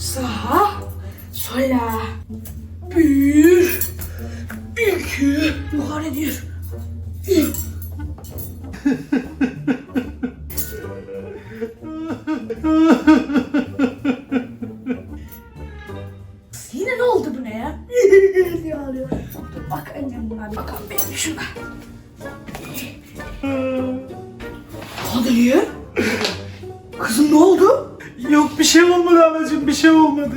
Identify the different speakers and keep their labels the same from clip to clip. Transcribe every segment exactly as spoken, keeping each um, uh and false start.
Speaker 1: sağa, sola. Bir, iki, yukarı bir. Yine ne oldu bu ne ya? Diye ağlıyor. Dur bak annem buna bir bakalım benim şuna. Kadriye? Kızım ne oldu?
Speaker 2: Yok bir şey olmadı anacığım, bir şey olmadı.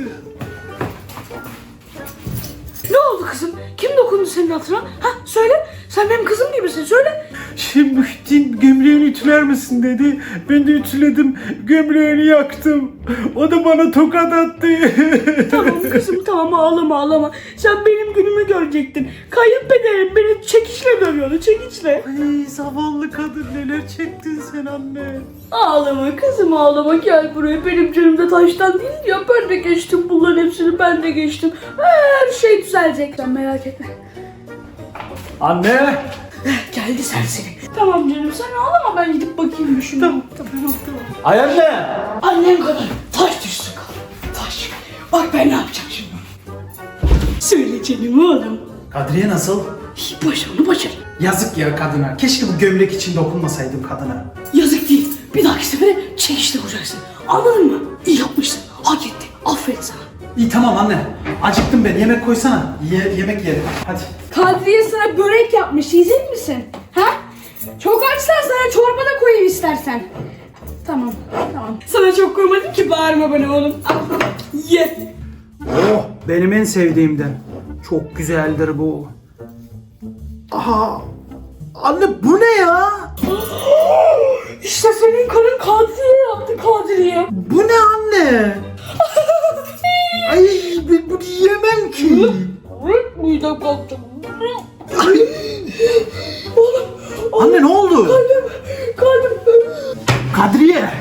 Speaker 1: Ne oldu kızım? Kim dokundu senin hatırına? Ha söyle. Sen benim kızım gibisin. Söyle.
Speaker 2: Şimdi Muhittin gömleğini ütüler misin dedi. Ben de ütüledim. Gömleğini yaktım. O da bana tokat attı.
Speaker 1: Tamam kızım tamam ağlama ağlama. Sen benim günümü görecektin. Kayınpederim beni çekişle dövüyordu. Çekiçle.
Speaker 2: Ay zavallı kadın, neler çektin sen anne.
Speaker 1: Ağlama kızım ağlama, gel buraya. Benim canımda taştan değil ya. Ben de geçtim bunların hepsini, ben de geçtim. Her şey düzelecek. Sen merak etme.
Speaker 2: Anne.
Speaker 1: Geldi serseri. Tamam canım sen ağlama, ben gidip bakayım bir şuna. Tamam tamam tamam.
Speaker 2: Ay anne.
Speaker 1: Annem kadar taş düşsün kalın. Taş. Bak ben ne yapacağım şimdi. Söyle canım oğlum.
Speaker 2: Kadriye nasıl?
Speaker 1: Başarı onu başarı.
Speaker 2: Yazık ya kadına. Keşke bu gömlek için dokunmasaydım kadına.
Speaker 1: Yazık değil. Bir dahaki sefere çekişle vuracaksın. Anladın mı? İyi yapmışsın. Hak etti. Aferin sana.
Speaker 2: İyi tamam anne. Acıktım ben. Yemek koysana. Ye yemek yerim. Hadi.
Speaker 1: Kadriye sana börek yapmış. Yiyecek misin? Ha? Çok açsan sana çorba da koyayım istersen. Tamam. Tamam. Sana çok koymadım ki, bağırma bana oğlum. Al. Ye.
Speaker 2: Oh, benim en sevdiğimden. Çok güzeldir bu. Aha. Anne bu ne ya?
Speaker 1: İşte senin karın Kadriye yaptı Kadriye.
Speaker 2: Bu ne anne? Ay ben bunu yiyemem ki.
Speaker 1: Midem kalktı.
Speaker 2: Ay.
Speaker 1: Oğlum.
Speaker 2: Anne ne oldu?
Speaker 1: Kalbim. Kalbim.
Speaker 2: Kadriye.